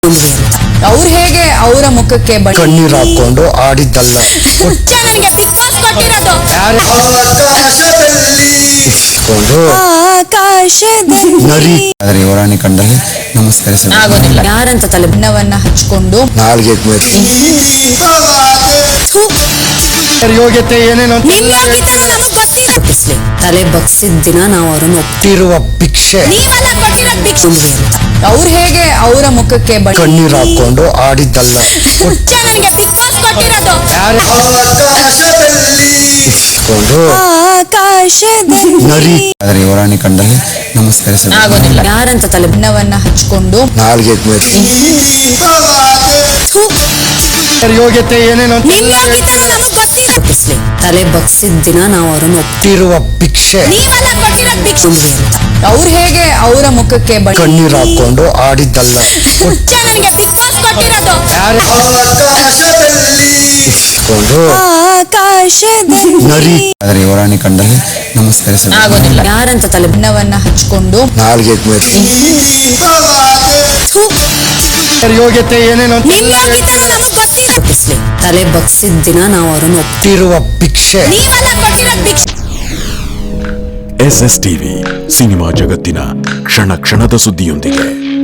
ಅವ್ರು ಹೇಗೆ ಅವರ ಮುಖಕ್ಕೆ ಕಣ್ಣೀರ್ ಹಾಕೊಂಡು ಆಡಿದ್ದಲ್ಲ ನನಗೆ ಬಿಗ್ ಬಾಸ್ ಕೊಟ್ಟಿರೋದು ನರಿ ಆದರೆ ಯುವರಾಣಿ ಕಂಡಲ್ಲಿ ನಮಸ್ಕರಿಸಬೇಕು. ಆಗೋದಿಲ್ಲ. ಯಾರಂತ ತಲೆ ಭಿನ್ನವನ್ನ ಹಚ್ಕೊಂಡು ನಾಲ್ಗೆ ಯೋಗ್ಯತೆ ಏನೇನು ತಪ್ಪಿಸ್ಲಿ ತಲೆ ಬಗ್ಸಿದ ದಿನ ನಾವು ಅವ್ರನ್ನ ಒಟ್ಟಿರುವ ಭಿಕ್ಷೆ ಅವ್ರು ಹೇಗೆ ಅವರ ಮುಖಕ್ಕೆ ಕಣ್ಣೀರ್ ಹಾಕೊಂಡು ಆಡಿದ್ದಲ್ಲ ನನಗೆ ಬಿಗ್ ಬಾಸ್ ಕೊಟ್ಟಿರೋದು ನರಿ ಆದರೆ ಯುವರಾಣಿ ಕಂಡಲ್ಲಿ ನಮಸ್ಕರಿಸಬೇಕು. ಆಗೋದಿಲ್ಲ. ಯಾರಂತ ತಲೆ ಭಿನ್ನವನ್ನ ಹಚ್ಕೊಂಡು ನಾಲ್ಗೆ ಯೋಗ್ಯತೆ ಏನೇನು ತಪ್ಪಿಸ್ಲಿ ತಲೆ ಬಗ್ಸಿದ ದಿನ ನಾವು ಅವ್ರನ್ನ ಒಟ್ಟಿರುವ ಭಿಕ್ಷೆ ಅವ್ರು ಹೇಗೆ ಅವರ ಮುಖಕ್ಕೆ ಕಣ್ಣೀರ್ ಹಾಕೊಂಡು ಆಡಿದ್ದಲ್ಲ ನನಗೆ ಬಿಗ್ ಬಾಸ್ ಕೊಟ್ಟಿರೋದು ನರಿ ಆದರೆ ಯುವರಾಣಿ ಕಂಡಲ್ಲಿ ನಮಸ್ಕರಿಸಬೇಕು. ಆಗೋದಿಲ್ಲ. ಯಾರಂತ ತಲೆ ಭಿನ್ನವನ್ನ ಹಚ್ಕೊಂಡು ನಾಲ್ಗೆ ಯೋಗ್ಯತೆ ಏನೇನು ತಪ್ಪಿಸ್ಲಿ ತಲೆ ಬಗ್ಸಿದ ದಿನ ನಾವು ಅವ್ರನ್ನ ಒಟ್ಟಿರುವ ಭಿಕ್ಷೆ SS ಟಿವಿ ಸಿನಿಮಾ ಜಗತ್ತಿನ ಕ್ಷಣ ಕ್ಷಣದ ಸುದ್ದಿಯೊಂದಿಗೆ